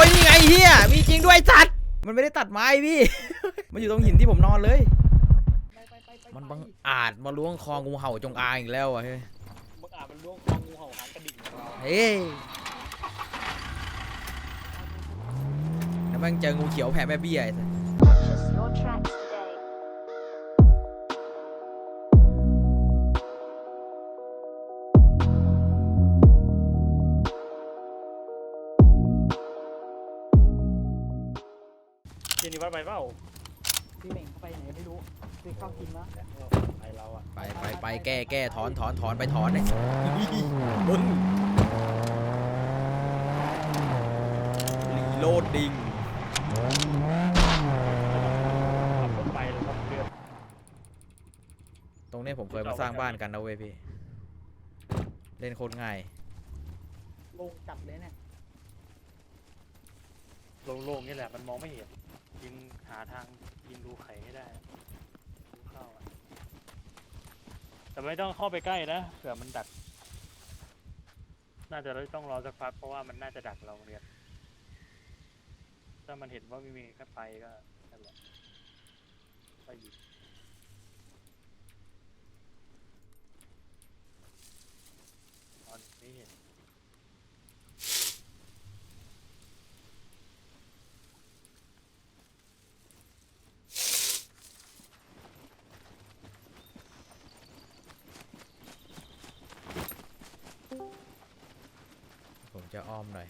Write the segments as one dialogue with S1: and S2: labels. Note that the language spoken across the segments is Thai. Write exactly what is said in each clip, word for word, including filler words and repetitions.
S1: ยนี่ไงเฮียมีจริงด้วยสัตว์มันไม่ได้ตัดไม้พี่ มันอยู่ตรงหินที่ผมนอนเลยมันบังอาจมาล้วงคองูเห่าจงอางอีกแล้วอ่ะเฮ้ย
S2: บังอาจมันล้วงคองูเห่าหางกระดิ่งของเรา
S1: เฮ้ยแล้วแม่งเจองูเขียวแผ่แม่เบี้ยไอ้สัส
S2: เจนี่วัดไปเปล่า
S3: พี่เหม่งเข้าไปไหนไม่รู้พี่เข้ากินแล้ว
S2: ไปเราอะ
S1: ไปไปไปแก้แก้ถอนถอนถอนไปถอนเลยมึงรีโหลดดิ้ง
S2: ไปแล้วก็เดือด
S1: ตรงนี้ผมเคยมาสร้างบ้านกันนะเว้ยพี่เล่นโคตรง่าย
S3: ลงจับเลยเนี่ย
S2: โล่งๆนี่แหละมันมองไม่เห็นยิงหาทางยิงดูไข่ให้ได้ดูเข้าอะแต่ไม่ต้องเข้าไปใกล้นะเผื่อมันดักน่าจะต้องรอสักพักเพราะว่ามันน่าจะดักเราเรียนถ้ามันเห็นว่าไม่มีแค่ไฟก็นั่นแหละก็ยิงตอนนี้เห็น
S1: ผมจะอ้อมหน่อย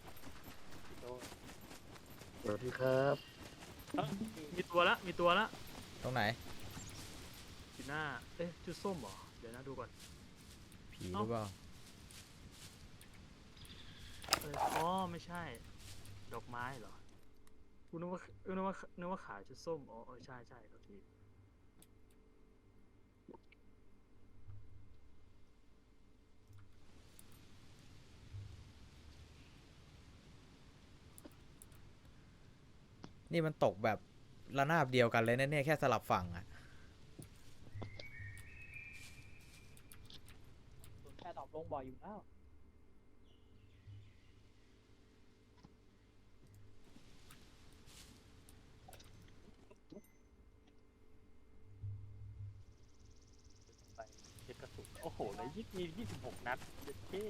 S4: สวัสดีครับ
S2: มีตัวละมีตัวละ
S1: ตรงไหน
S2: สีหน้าเอ๊ะจุดส้มเหรอเดี๋ยวนะดูก่อน
S1: ผีหรือเปล่า
S2: เอออ๋อไม่ใช่ดอกไม้เหรอกูนึกว่านึกว่านึกว่าขายจุดส้มอ๋อเออใช่ใช่ครับพี่
S1: นี่มันตกแบบระนาบเดียวกันเลยนะเนี่ยแค่สลับฝั่งอะ
S3: แค่ตอบลงบ่อยอยู่แล้ว
S2: ไปเช็คกระสุนโอ้โหเลยยี่มียี่สิบหกนัดเท่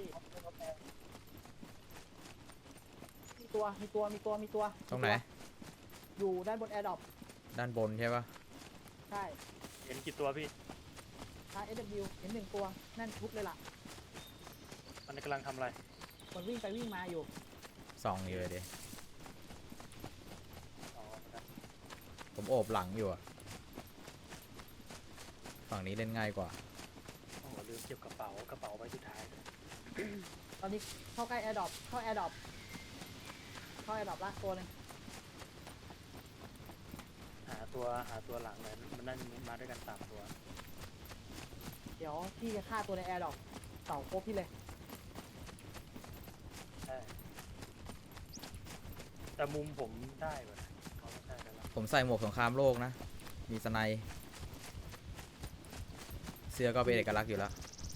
S3: มีตัวมีตัวมีตัวมีตัว
S1: ตรงไหน
S3: อยู่ด้านบนแอร์ดรอป
S1: ด้านบนใช่ปะ
S3: ใช่
S2: เห็นกี่ตัวพี่
S3: ท้าย เอส ดับเบิลยู เห็นหนึ่งตัวนั่นทุบเลยล่ะ
S2: มันกำลังทำอะไร
S3: มันวิ่งไปวิ่งมาอยู่
S1: ส่องอยู่เลยดิผมโอบหลังอยู่อะฝั่งนี้เล่นง่ายกว่า
S2: โอ้โหลืมเก็บกระเป๋ากระเป๋าไว้สุดท้าย
S3: ตอนนี้เข้าใกล้แอร์ดรอปเข้าแอร์ดรอปเข้าแอร์ดรอปละตัวนึง
S2: หาตัวหาตัวหลังเลยมันนั่นมาด้วยกันสามตัว
S3: เดี๋ยวพี่จะฆ่าตัวในแอร์ดรอปเสาโคบพี่เลย
S2: ใช่แต่มุมผมได้เหมือนเขาไม่ใช่กันแล้ว
S1: ผมใส่หมวกสงครามโลกนะมีสไนป์เสื้อก็เป็นเอกลักษณ์อยู่แล้ว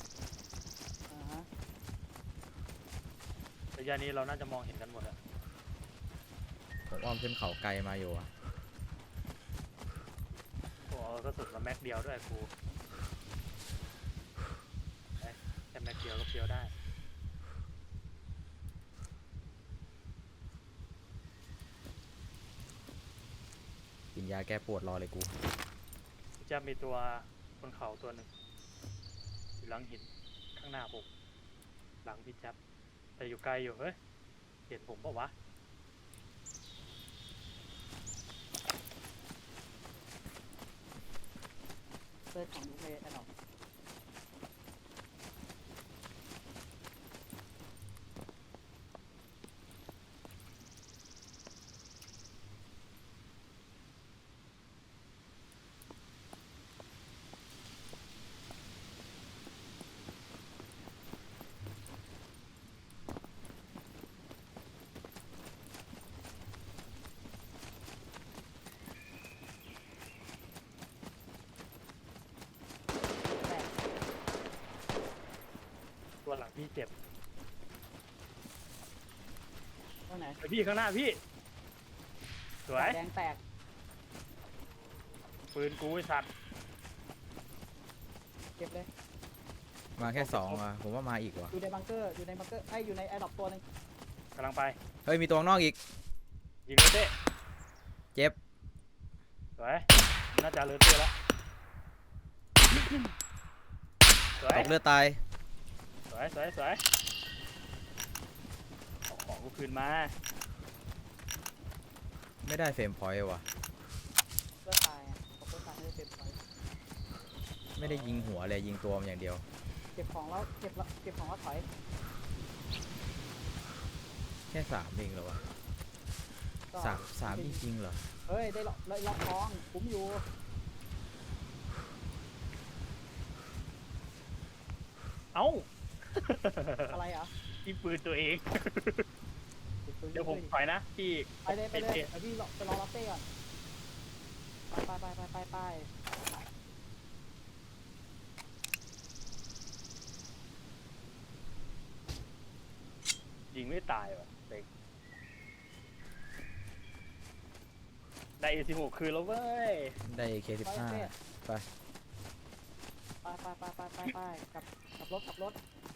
S2: ระยะนี้เราน่าจะมองเห็นกันหมดอะ
S1: ผมอ้อมขึ้นเขาไกลมาอยู่อะ
S2: โอ้ก็สุดมาแม็กเดียวด้วยกูแค่แม็กเดียวก็เฟี้ยวได้
S1: กินยาแก้ปวดรอเลยกู
S2: จะมีตัวบนเขาตัวหนึ่งอยู่หลังหินข้างหน้าผมหลังพี่จับแต่อยู่ไกลอยู่เฮ้ยเห็นผมเปล่าวะ
S3: เซิร์ชของลูกเลยแอร์ดรอป
S2: ตัวหลังพี่เจ็บ
S3: ตรงไหน
S2: ไปพี่ข้างหน้าพี่สวย
S3: แดงแตก
S2: ปืนกูไอ้สัตว์
S3: เก็บเลย
S1: มาแค่สองว่ะผมว่ามาอีกว่ะ
S3: อยู่ในบังเกอร์อยู่ในบังเกอร์ไอ้ยอยู่ในแอร์ดรอปตัวหนึง
S2: กำลังไป
S1: เฮ้ยมีตัวข้างนอกอีก
S2: ยิงเลยเต้
S1: เจ็บ
S2: สวยน่าจะเลยเต้แล้วสวย
S1: ตกเลือดตาย
S2: สวยสวยสวยเอาของกูคืนมา
S1: ไม่ได้เฟรมพอยต์ว่ะ
S3: เลือดตายอ่ะตกเลือดตายไม่ได้เก็บของ
S1: ไม่ได้ยิงหัวเลยยิงตัวมันอย่างเดียว
S3: เก็บของแล้วเก็บแล้วเก็บของแล้วถอย
S1: แค่สามเองเหรอวะ
S3: ก็
S1: สามสามจริงๆเหรอ
S3: เฮ้ยได้ล็อกได้ล็อกท้องคุ้มอยู่
S2: เอ้า
S3: อะไรอ่ะ
S2: ยิงปืนตัวเอง
S3: ก็บปืน
S2: เดี๋ยวผม
S3: ด้
S2: ถอยนะพี่
S3: ไปเลยไปเลยเดี๋ยวพี่รอไปรอรับเต้ก่อนไปไปไปไปไปไป
S2: ยิงไม่ตายว่ะเด็กได้ เอ สิบหก คืนแล้วเว้ย
S1: ได้ เค สิบห้า ไป
S3: ไปไปไปไปไปไปกลับกลับรถกลับรถ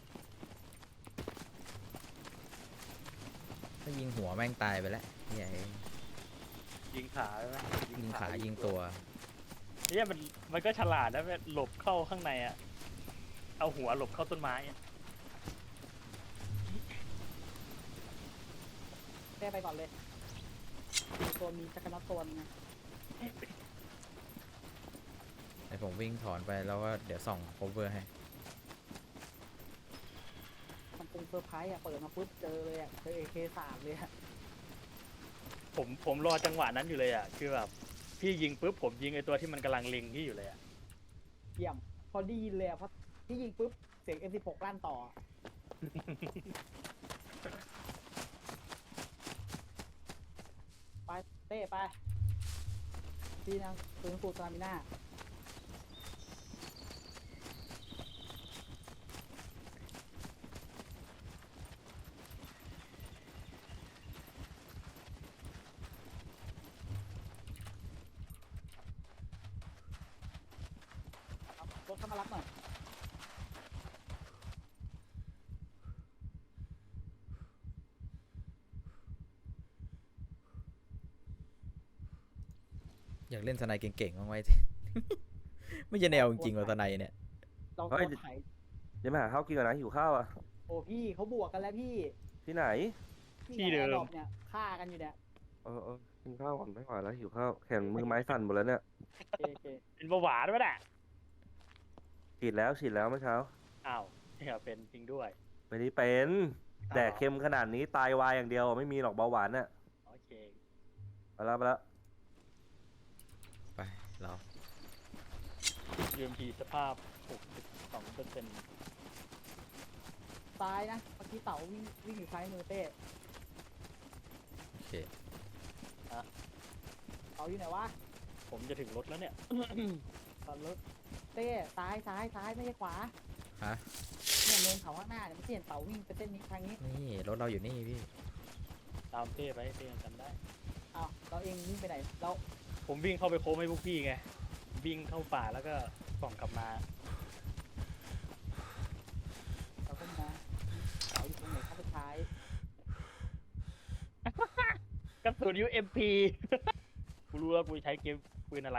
S1: ถ้ายิงหัวแม่งตายไปแล้วเหี้ย
S2: ยิงขาใช่ไหม
S1: ยิงขายิงตัว
S2: เนี่ยมันมันก็ฉลาดนะแบบหลบเข้าข้างในอ่ะ เอาหัวหลบเข้าต้นไม้อะ
S3: แก้ไปก่อนเลยมีตัวมีจักรนัดตัวนึงไง
S1: ไอผมวิ่งถอนไปแล้วก็เดี๋ยวส่อง cover ให้
S3: มันเป็นเซอร์ไพรส์อ่ะเปิดมาปุ๊บเจอเลยอ่ะเจอเอเคสามเลยอ่ะ
S2: ผมผมรอจังหวะนั้นอยู่เลยอ่ะ คือแบบพี่ยิงปุ๊บผมยิงไอตัวที่มันกำลังเล็งพี่อยู่เลยอ่ะ
S3: เยี่ยมพอได้ยินเลยอ่ะเพราะที่ยิงปุ๊บเสียง เอ็ม สิบหก ลั่นต่อ ไปเต้ไปพี่นางปืนฟูสลามิน่าครับรถเข้ามารับหน่อย
S1: อยากเล่นสไนเก่งๆบ้างไว้ ไม่ใช่แนวจริงๆว่าสไนเนี่ย
S3: เรา
S4: เฮ้ย
S3: ตัวไถ
S4: เดี๋ยวมาหาข้าวกินก่อนนะหิวข้าวอ่ะ
S3: โอ้พี่เขาบวกกันแล้วพี่
S4: ที่ไหน
S2: ที่เดิม
S3: แอร์ดรอปเนี่ยฆ่ากันอยู่เนี่ย
S4: เออเออกินข้าวก่อนไม่ไหวแล้วหิวข้าวแขนมือไม้สั่นหมดแล้วเนี่ย
S3: โอเคโอเค
S2: เป็นเบาหวานด้วยแหละ
S4: ฉีดแล้วฉีดแล้วเมื่อเช้า
S2: อ้าวเนี่ยเป็นจริงด้วย
S4: ไม่ได้เป็นแดกเค็มขนาดนี้ตายวายอย่างเดียวไม่มีหรอกเบาหวานน่ะ
S2: โอเค
S4: ไปแล้วไปแล้ว
S1: ไปเรา
S2: ยู เอ็ม พี สภาพ หกสิบสองเปอร์เซ็นต์
S3: ซ้ายนะเมื่อกี้เต๋าวิ่งวิ่งอยู่ซ้ายมือเต้
S1: โอเค
S3: เต๋าอยู่ไหนวะ
S2: ผมจะถึงรถแล้วเนี่ย
S3: ตอนรถเต้ซ้ายซ้ายซ้ายไม่ใช่ขวา
S1: ฮะ
S3: เนี่ยเนินเขาข้างหน้าเนี่ยไม่ใช่เห็นเต๋าวิ่งไปเส้นนี้ทางนี้
S1: นี่รถเราอยู่นี่พี่
S2: ตามเต้ไปเต้ยังจำได้
S3: อ้าวเราเองวิ่งไปไหนเรา
S2: ผมวิ่งเข้าไปโค้งให้พวกพี่ไง วิ่งเข้าป่าแล้วก็ส่องกลับมา
S3: เราก็มาเต๋าอยู่ตรงไหนเข้าไปท้าย
S2: กระสุน ยู เอ็ม พี กูรู้แล้วกูใช้เกมปืนอะไร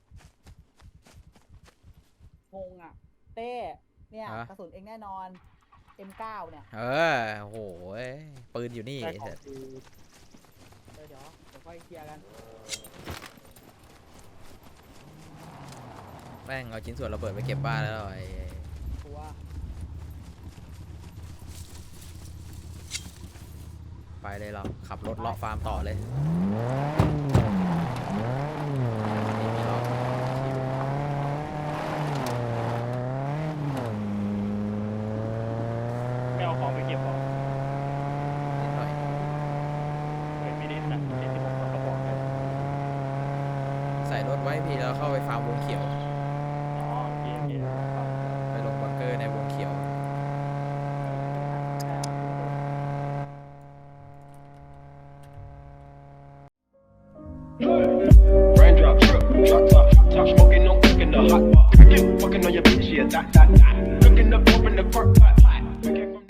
S3: งงอ่ะเต้เนี่ย
S1: ฮะ
S3: กระสุนเองแน่นอน เอ็ม เก้า เนี่ย
S1: เออโอ้โหปืนอยู่นี่
S2: ได้
S1: ไอ้
S2: ขอ
S1: สั
S2: ง
S1: ส
S2: คือ
S3: เดี๋ยวเดี๋ยวเดี๋ยวค่อยเคลียร์กัน
S1: แม่งเอาชิ้นส่วนระเบิดไปเก็บบ้านแล้วไอ้
S3: ตัว
S1: ไปเลยเราขับรถเลาะฟาร์มต่อเลยนี่มีล้อ
S2: ไม่เอาของไปเก็บหรอก
S1: นิดหน่อย
S2: เฮ้ยไม่ได้นะเจ็ดสิบหกกระบอกเลย
S1: ใส่รถไว้พี่แล้วเข้าไปฟาร์มวงเขียว
S2: อ๋อโอเคโอเคครับ
S1: ไปลงบังเกอร์ในวงเขียว
S3: เ
S5: Raindrop, drip, drop top, top smoking, no cooking the hot pot. Fucking on your bitch, yeah, that, that, that. Cooking up, open the crock pot.